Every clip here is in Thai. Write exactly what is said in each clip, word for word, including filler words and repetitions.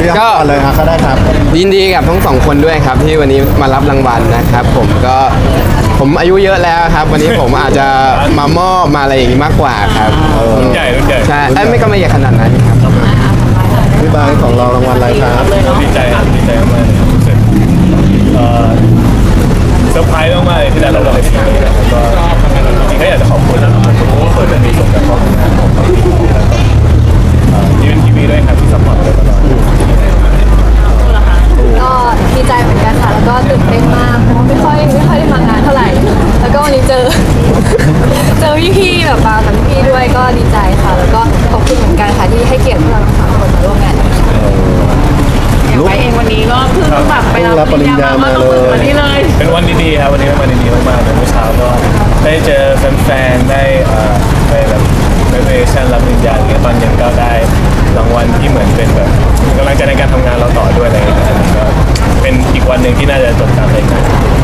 ก็เลยครับก็ได้ครับยินดีกับทั้งสองคนด้วยครับที่วันนี้มารับรางวัลนะครับผมก็ผมอายุเยอะแล้วครับวันนี้ผมอาจจะมามอบมาอะไรอย่างนี้มากกว่าครับรุ่นใหญ่รุ่นใหญ่ใช่ไม่ก็ไม่ใหญ่ขนาดนั้นครับพี่บายของเรารางวัลอะไรครับดีใจครับดีใจมากเลยรู้สึกเอ่อเซอร์ไพรส์มากๆเลยที่ได้รับรางวัลนี้นะครับก็จริงๆก็อยากจะขอบคุณทุกคนที่มีส่วนกับครอบครัวของเราที่เป็นทีวีด้วยครับที่ซัพพอร์ตเราตลอดก็ดีใจเหมือนกันค่ะแล้วก็ตื่นเต้นมากเพราะว่าไม่ค่อยไม่ค่อยได้มางานเท่าไหร่แล้วก็วันนี้เจอ เจอพี่ๆแบบมากับพี่ๆด้วยก็ดีใจค่ะแล้วก็ขอบคุณเหมือนกันค่ะที่ให้เกียรติพวกเราทั้งสามคนมาร่วมงานอย่างไปเองวันนี้ก็เพิ่งแบบไปรับปริญญามาเลยวันนี้เลยเป็นวันดีๆครับวันนี้เป็นวันดีๆมากๆเมื่อเช้าก็ได้เจอแฟนๆได้ไปแบบเวอร์ชันรับปริญญาอย่างเงี้ยตอนเย็นก็ได้รางวัลที่เหมือนเป็นแบบกำลังใจในการทำงานเราต่อด้วยอะไรอย่างเงี้ยก็เป็นอีกวันหนึ่งที่น่าจะจดจำเลยนะ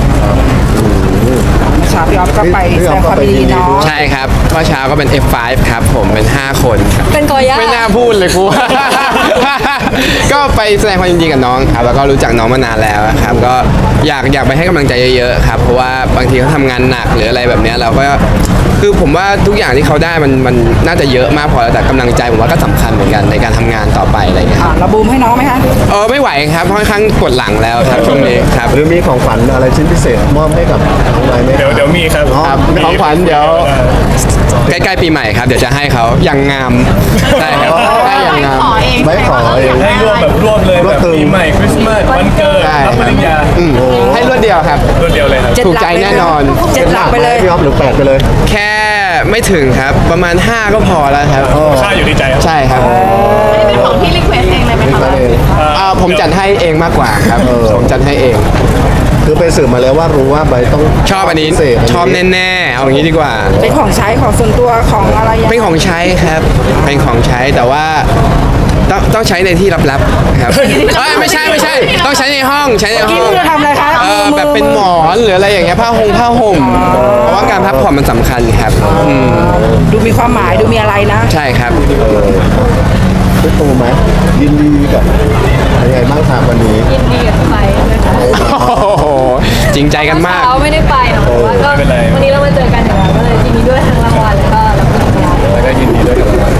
เมื่อเช้าพี่ออฟก็ไปแสดงความยินดีเนาะใช่ครับเมื่อเช้าก็เป็น เอฟ ไฟว์ ครับผมเป็นห้าคนครับเป็นกอย่าไม่น่าพูดเลยครู ก็ไปแสดงความยินดีกับน้องครับแล้วก็รู้จักน้องมานานแล้วครับก็อยากอยากไปให้กำลังใจเยอะๆครับเพราะว่าบางทีเขาทำงานหนักหรืออะไรแบบนี้เราก็คือผมว่าทุกอย่างที่เขาได้มันมันน่าจะเยอะมากพอแล้วแต่กำลังใจผมว่าก็สำคัญเหมือนกันในการทำงานต่อไปอะไรเงี้ยเราบูมให้น้องไหมคะเออไม่ไหวครับค่อนข้างปวดหลังแล้วครับช่วงนี้ครับหรือมีของขวัญอะไรชิ้นพิเศษมอบให้กับน้องไม้ไหมเดี๋ยวเดี๋ยวมีครับครับของขวัญเดี๋ยวใกล้ๆปีใหม่ครับเดี๋ยวจะให้เขาอย่างงามใช่ครับได้อย่างงามไม่ขอเองให้รวมแบบรวบเลยแบบปีใหม่คริสต์มาสวันเกิดรับปริญญาให้รวดเดียวครับรวดเดียวเลยครับถูกใจแน่นอนเจ็ดหลักไปเลยพี่ออฟหรือแปดไปเลยแค่ไม่ถึงครับประมาณห้าก็พอแล้วครับค่าอยู่ที่ใจใช่ครับเป็นของที่รีเควสเองเลยไหมคะผมจัดให้เองมากกว่าครับผมจัดให้เองคือไปสืบมาแล้วว่ารู้ว่าใบต้องชอบอันนี้ชอบแน่ๆเอาอย่างนี้ดีกว่าเป็นของใช้ของส่วนตัวของอะไรเป็นของใช้ครับเป็นของใช้แต่ว่าต้องต้องใช้ในที่ลับๆครับไม่ใช่ไม่ใช่ต้องใช้ในห้องใช้ในห้องทำอะไรคะเออแบบเป็นหมอนหรืออะไรอย่างเงี้ยผ้าห่มผ้าห่มเพราะว่าการพักผ่อนมันสำคัญครับดูมีความหมายดูมีอะไรนะใช่ครับพี่ตูไหมยินดีกับยังไงบ้างครับวันนี้ยินดีกับไปเลยค่ะจริงใจกันมากเขาไม่ได้ไปหรอกแต่ว่าก็วันนี้เรามาเจอกันอย่างไรก็เลยยินดีด้วยทั้งรางวัลแล้วก็รับปริญญาแล้วก็ยินดีด้วยกับรางวัล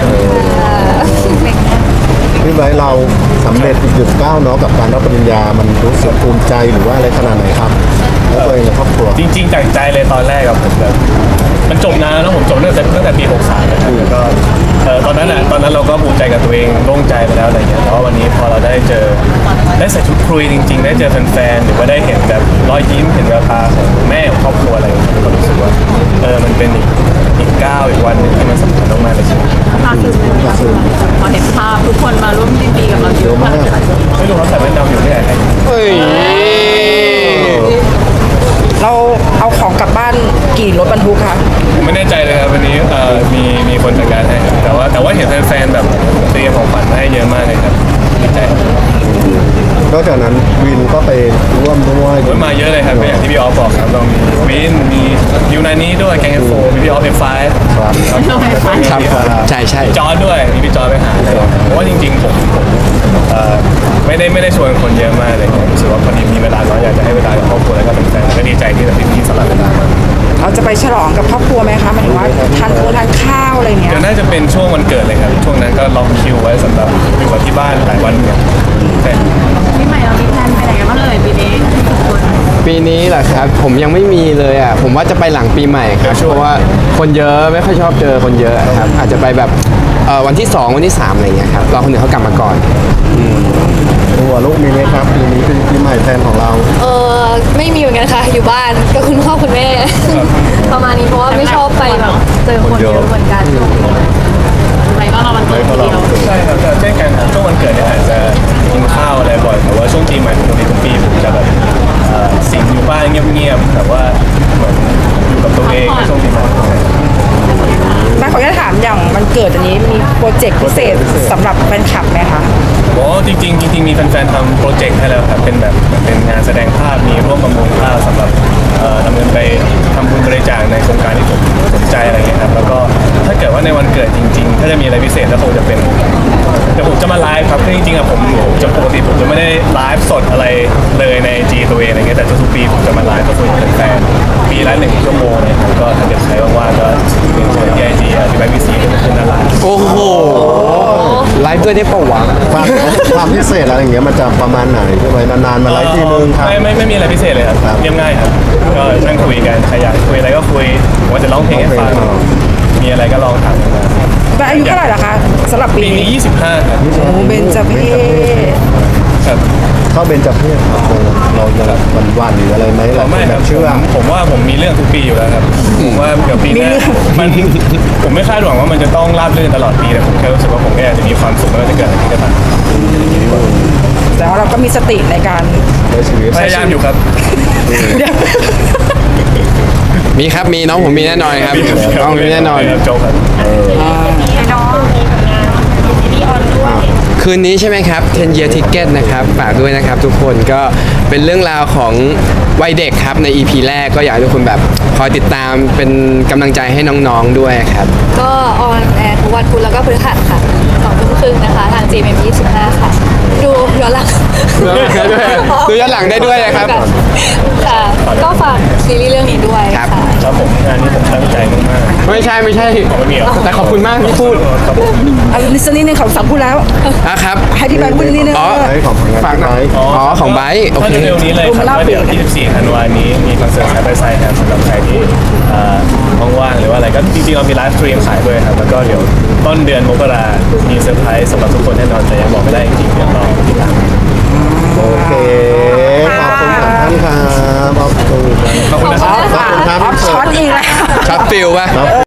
พี่ไบเราสำเร็จอีกหนึ่งก้าวเนาะกับการรับปริญญามันรู้สึกภูมิใจหรือว่าอะไรขนาดไหนครับแล้วตัวเองในครอบครัวจริงๆจากใจเลยตอนแรกกับผมแบบมันจบนานแล้วผมจบตั้งแต่ตั้งแต่ปีหกสามนะครับแล้วก็ตอนนั้นอ่ะตอนนั้นเราก็ภูมิใจกับตัวเองโล่งใจไปแล้วอะไรเงี้ยแต่ว่าวันนี้พอเราได้เจอได้ใส่ชุดคุยจริงๆได้เจอแฟนๆหรือว่าได้เห็นแบบรอยยิ้มเห็นแววตาของแม่ของครอบครัวอะไรอย่างเงี้ยก็รู้สึกว่าเออมันเป็นอีกอีกก้าวอีกวันหนึ่งที่มันสำคัญมากๆเลยใช่ไหมภาพคือพอเห็นภาพทุกคนมาร่วมยินดีกับเราเยอะมากไม่รู้เขาใส่แว่นดำอยู่ที่ไหนเฮ้ยเราเอาของกลับบ้านกี่รถบรรทุกคะผมไม่แน่ใจเลยครับวันนี้มีมีคนจัดการให้แต่ว่าแต่ว่าเห็นแฟนๆแบบเตรียมของขวัญมาให้เยอะมากเลยครับดีใจนอกจากนั้นวินก็ไปร่วมด้วยมาเยอะเลยครับอย่างที่พี่ออฟบอกครับเรามีวินมียูนานี้ด้วยแกงเอฟโฟมีพี่ออฟเอฟไฟครับใช่ใช่จอร์ดด้วยมีพี่จอร์ดไปหาเลยเพราะว่าจริงๆผมไม่ได้ไม่ได้ชวนคนเยอะมากเลยรู้สึกว่าพอดีมีเวลาน้อยอยากจะให้เวลากับครอบครัวแล้วก็เป็นแฟนก็ดีใจที่แบบพี่ๆสลับเวลามาเราจะไปฉลองกับครอบครัวไหมคะหมายถึงว่าทานโค้ทานข้าวอะไรเงี้ยเดี๋ยวน่าจะเป็นช่วงวันเกิดเลยครับช่วงนั้นก็ล็อกคิวไว้สำหรับอยู่กับที่บ้านหลายวันเนี่ยปีใหม่เรามีแพลนไปไหนกันบ้างเลยปีนี้ปีนี้เหรอครับผมยังไม่มีเลยอ่ะผมว่าจะไปหลังปีใหม่ครับเพราะว่าคนเยอะไม่ค่อยชอบเจอคนเยอะครับอาจจะไปแบบวันที่สองวันที่สามอะไรเงี้ยครับรอคนอื่นเขากลับมาก่อนตัวลูกมีไหมครับปีนี้เป็นปีใหม่แทนของเราเออไม่มีเหมือนกันค่ะอยู่บ้านกับคุณพ่อคุณแม่ประมาณนี้เพราะว่าไม่ชอบไปแบบเจอคนเยอะเหมือนกันไปก็เราวันเกิดทีเดียวใช่ครับเช่นกันช่วงวันเกิดเนี่ยอาจจะกินข้าวอะไรบ่อยแต่ว่าช่วงปีใหม่ปกติทุกปีผมจะแบบสิงอยู่บ้านเงียบๆแต่ว่าเหมือนอยู่กับตัวเองในช่วงปีใหม่แม่ขออนุญาตถามอย่างมันเกิดอันนี้มีโปรเจกต์พิเศษสำหรับแฟนคลับไหมคะโอ้จริงๆจริงๆมีแฟนๆทำโปรเจกต์ให้แล้วครับเป็นแบบเป็นงานแสดงภาพมีร่วมประมูลภาพสำหรับดำเนินไปทำบุญบริจาคในโครงการที่ผมสนใจอะไรเงี้ยครับแล้วก็ถ้าเกิดว่าในวันเกิดจริงๆถ้าจะมีอะไรพิเศษก็คงจะเป็นเดี๋ยวผมจะมาไลฟ์ครับคือจริงๆอะผมผมไลฟ์สดอะไรเลยในไอจีตัวเองอะไรเงี้ยแต่ทุกๆปีผมจะมาไลฟ์กับคุยกับแฟนๆปีละหนึ่งชั่วโมงเนี่ยครับก็ถ้าเกิดใครว่างๆก็ถึงเชิญที่ไอจีที่แบงค์บีซีก็จะขึ้นหน้าไลน์โอ้โหไลฟ์ด้วยได้ปะวะความความพิเศษอะไรอย่างเงี้ยมันจะประมาณไหนใช่ไหมนานๆมาไลฟ์ทีนึงครับไม่ไม่ไม่มีอะไรพิเศษเลยครับครับเรียบง่ายครับก็นั่งคุยกันใครอยากคุยอะไรก็คุยผมว่าจะร้องเพลงให้ฟังร้องเพลงมีอะไรก็ลองถามกันมาแบงค์อายุเท่าไหร่ล่ะคะสำหรับปีปีนี้นี้ยี่สิบห้าครับโอ้เบนจเพศครับเข้าเบญจเพศครับเราจะแบบหวันๆหรืออะไรไหมหลายคไม่นคแบรับบเชื่อผมว่าผมมีเรื่องทุกปีอยู่แล้วครับผมว่าเดี๋ยวปีหน้ามันผมไม่คาดหวังว่ามันจะต้องราบรื่นตลอดปีแต่ผมแค่รู้สึกว่าผมแค่อยากจะมีความสุขไม่ว่าจะเกิดอะไรขึ้นก็ตามแต่ว่าเราก็มีสติในการในชีวิตพยายามอยู่ครับมีครับมีน้องผมมีแน่นอนครับน้องผมมีแน่นอนโจบครับคืนนี้ใช่ไหมครับ ten year ticket นะครับฝากด้วยนะครับทุกคนก็เป็นเรื่องราวของวัยเด็กครับใน อี พี แรกก็อยากให้ทุกคนแบบคอยติดตามเป็นกำลังใจให้น้องๆด้วยครับก็ออนแอร์ทุกวันพุธแล้วก็พฤหัสค่ะสองทุ่มครึ่งนะคะ ทาง จี เอ็ม ยี่สิบห้าค่ะ ดูย้อนหลังดูย้อนหลังได้ด้วยนะครับค่ะ ก็ฝากซีรีส์เรื่องนี้ด้วยครัค่ะบครับผมงานนี้ผมตั้งใจมากไม่ใช่ไม่ใช่ๆไม่มีหรอแต่ขอบคุณมากที่พูดครับผมอันนี้สักนิดนึงเขาสัมพูดแล้วอ่ะครับให้พี่แบงค์พูดนิดนึงอ๋อไลฟ์ของงานฝากหน่อยไลฟ์อ๋อของไบร์ทโอเคถ้าเร็วๆนี้เลยครับว่าเดี๋ยวยี่สิบสี่ธันวาคมนี้มีคอนเสิร์ตไซด์บายไซด์ครับสำหรับใครที่เอ่อว่างๆหรือว่าอะไรก็จริงๆเรามีไลฟ์สตรีมขายด้วยครับแล้วก็เดี๋ยวต้นเดือนมกรามีเซอร์ไพรส์สำหรับทุกคนแน่นอนแต่ยังบอกไม่ได้จริงๆเดี๋ยวรอติดตามโอเคขอบคุณท่านครับขอบคุณขอบคุณนะครับขอบคุณครับช็อตอีกแล้วช็อตฟิลป่ะครับ